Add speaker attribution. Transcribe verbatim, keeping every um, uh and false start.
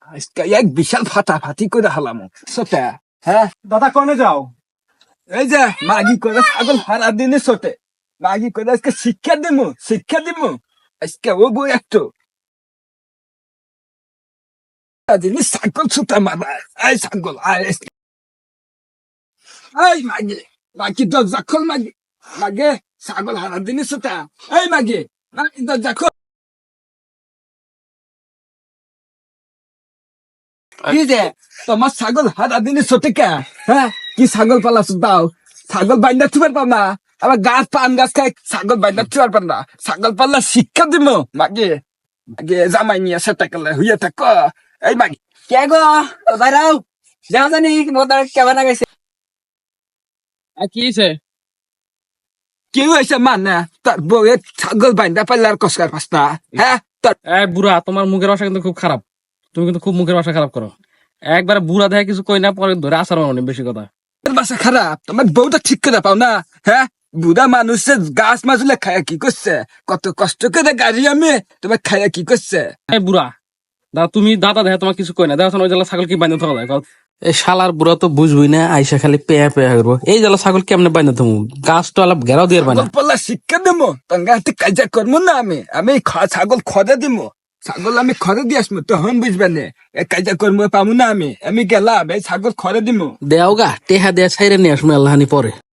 Speaker 1: আজকে এক বিশাল ফাটাফাটি করে হালাম সোটে। হ্যাঁ
Speaker 2: দাদা কনে যাও?
Speaker 1: এই যে মাগি করে ছাগল হারা দিনে সোটে, মাগি করে আজকে শিক্ষা দিমু শিক্ষা দিমু আজকে ও বই একটু জিনিস ছাগল ছুটা মারা। এই ছাগল আয় এই মাগি, মাগি দরজা খোল মাগি, মাগে ছাগল হারা দিনে সোটা। এই মাগি মাগি দরজা খোল। কি যে তোমার ছাগল হারা দিনে ছোটে কে? হ্যাঁ কি ছাগল পালা দাও? ছাগল বাইন্দা থুবার পার না, আবার গাছ পান গাছ খাই ছাগল বাইন্দা থুবার পার না। ছাগল পাল্লা শিক্ষা দিব মাগে, মাগে জামাই নিয়ে সেটা করলে হইয়া থাক। এই মাগি
Speaker 3: কে গো বাইরাও যাও জানি মোদার কেমন গেছে
Speaker 4: কি হয়েছে?
Speaker 1: কি হয়েছে মানে তোর বউয়ের ছাগল বাইন্দা পাল্লা আর কসকার পাস না? হ্যাঁ তোর
Speaker 4: এই বুড়া, তোমার মুখের ভাষা কিন্তু খুব খারাপ। তুমি কিন্তু খুব মুখের ভাষা খারাপ করো। একবার বুড়া দেখে কিছু কই না, পরে ধরে আসার মানে বেশি কথা।
Speaker 1: বাসা খারাপ, তোমার বউটা ঠিক করে পাও না? হ্যাঁ বুড়া মানুষের গাছ মাজুলে খায়া কি করছে? কত কষ্ট করে গাড়ি আমি তোমার খায়া কি করছে?
Speaker 4: এই বুড়া দাদা, তুমি দাদা দেখে তোমার কিছু কই না, দেখো ওই জেলা ছাগল কি বাইন্ধে থাকা যায়? এই শালার বুড়া তো বুঝবই না, আইসা খালি পেয়া পেয়া করবো। এই জেলা ছাগল কেমনে বাইন্ধে থাকবো? গাছ তো আলাপ ঘেরাও দিয়ে বানা।
Speaker 1: পাল্লা শিক্ষা দেবো তঙ্গা হাতে কাজা করবো না আমি। আমি খ- ছাগল খরে দিব, ছাগল আমি খরে দিয়ে আসবো তখন বুঝবে না। এই কাজা করবো পাবো না আমি। আমি গেলাম এই ছাগল খরে দিব।
Speaker 4: দেও গা টেহা দেয়া ছাইরে নিয়ে আসবো আল্লাহানি পরে।